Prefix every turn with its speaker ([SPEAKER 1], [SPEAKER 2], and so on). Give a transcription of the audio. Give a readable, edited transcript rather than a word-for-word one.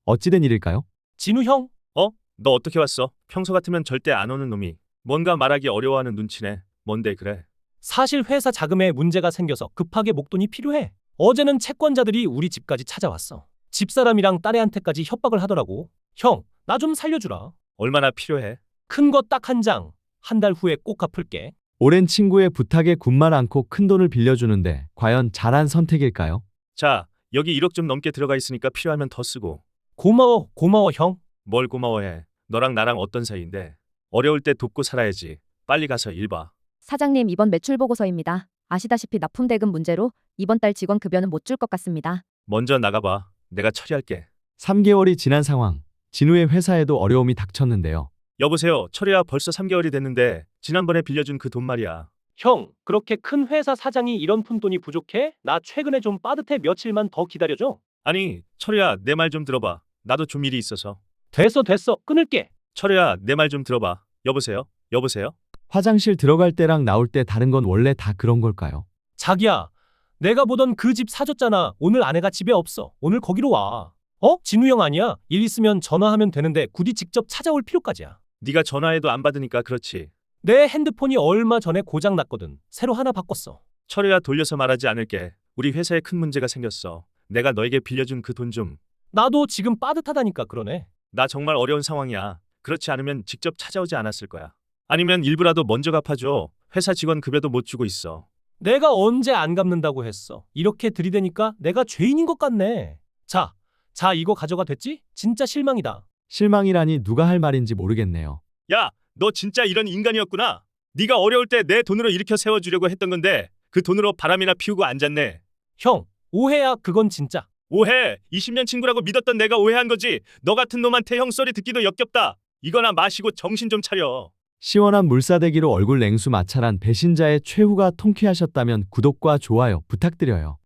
[SPEAKER 1] 어찌된 일일까요?
[SPEAKER 2] 진우 형,
[SPEAKER 3] 너 어떻게 왔어? 평소 같으면 절대 안 오는 놈이 뭔가 말하기 어려워하는 눈치네. 뭔데 그래?
[SPEAKER 2] 사실 회사 자금에 문제가 생겨서 급하게 목돈이 필요해. 어제는 채권자들이 우리 집까지 찾아왔어. 집사람이랑 딸애한테까지 협박을 하더라고. 형, 나 좀 살려주라.
[SPEAKER 3] 얼마나 필요해?
[SPEAKER 2] 큰 거 딱 한 장. 한 달 후에 꼭 갚을게.
[SPEAKER 1] 오랜 친구의 부탁에 군말 않고 큰돈을 빌려주는데 과연 잘한 선택일까요?
[SPEAKER 3] 자, 여기 1억 좀 넘게 들어가 있으니까 필요하면 더 쓰고.
[SPEAKER 2] 고마워, 고마워, 형.
[SPEAKER 3] 뭘 고마워해. 너랑 나랑 어떤 사이인데. 어려울 때 돕고 살아야지. 빨리 가서 일 봐.
[SPEAKER 4] 사장님, 이번 매출 보고서입니다. 아시다시피 납품 대금 문제로 이번 달 직원 급여는 못 줄 것 같습니다.
[SPEAKER 3] 먼저 나가봐. 내가 처리할게.
[SPEAKER 1] 3개월이 지난 상황. 진우의 회사에도 어려움이 닥쳤는데요.
[SPEAKER 3] 여보세요. 철이야, 벌써 3개월이 됐는데 지난번에 빌려준 그 돈 말이야.
[SPEAKER 2] 형, 그렇게 큰 회사 사장이 이런 푼돈이 부족해? 나 최근에 좀 빠듯해. 며칠만 더 기다려줘.
[SPEAKER 3] 아니, 철이야, 내 말 좀 들어봐. 나도 좀 일이 있어서.
[SPEAKER 2] 됐어. 끊을게.
[SPEAKER 3] 철이야, 내 말 좀 들어봐. 여보세요? 여보세요?
[SPEAKER 1] 화장실 들어갈 때랑 나올 때 다른 건 원래 다 그런 걸까요?
[SPEAKER 2] 자기야, 내가 보던 그 집 사줬잖아. 오늘 아내가 집에 없어. 오늘 거기로 와. 진우 형 아니야? 일 있으면 전화하면 되는데 굳이 직접 찾아올 필요까지야.
[SPEAKER 3] 네가 전화해도 안 받으니까 그렇지.
[SPEAKER 2] 내 핸드폰이 얼마 전에 고장 났거든. 새로 하나 바꿨어.
[SPEAKER 3] 철이야, 돌려서 말하지 않을게. 우리 회사에 큰 문제가 생겼어. 내가 너에게 빌려준 그 돈 좀.
[SPEAKER 2] 나도 지금 빠듯하다니까 그러네.
[SPEAKER 3] 나 정말 어려운 상황이야. 그렇지 않으면 직접 찾아오지 않았을 거야. 아니면 일부라도 먼저 갚아줘. 회사 직원 급여도 못 주고 있어.
[SPEAKER 2] 내가 언제 안 갚는다고 했어. 이렇게 들이대니까 내가 죄인인 것 같네. 자, 이거 가져가. 됐지? 진짜 실망이다.
[SPEAKER 1] 실망이라니 누가 할 말인지 모르겠네요.
[SPEAKER 3] 야, 너 진짜 이런 인간이었구나. 네가 어려울 때 내 돈으로 일으켜 세워주려고 했던 건데 그 돈으로 바람이나 피우고 앉았네.
[SPEAKER 2] 형, 오해야. 그건 진짜.
[SPEAKER 3] 오해. 20년 친구라고 믿었던 내가 오해한 거지. 너 같은 놈한테 형 소리 듣기도 역겹다. 이거나 마시고 정신 좀 차려.
[SPEAKER 1] 시원한 물사대기로 얼굴 냉수 마찰한 배신자의 최후가 통쾌하셨다면 구독과 좋아요 부탁드려요.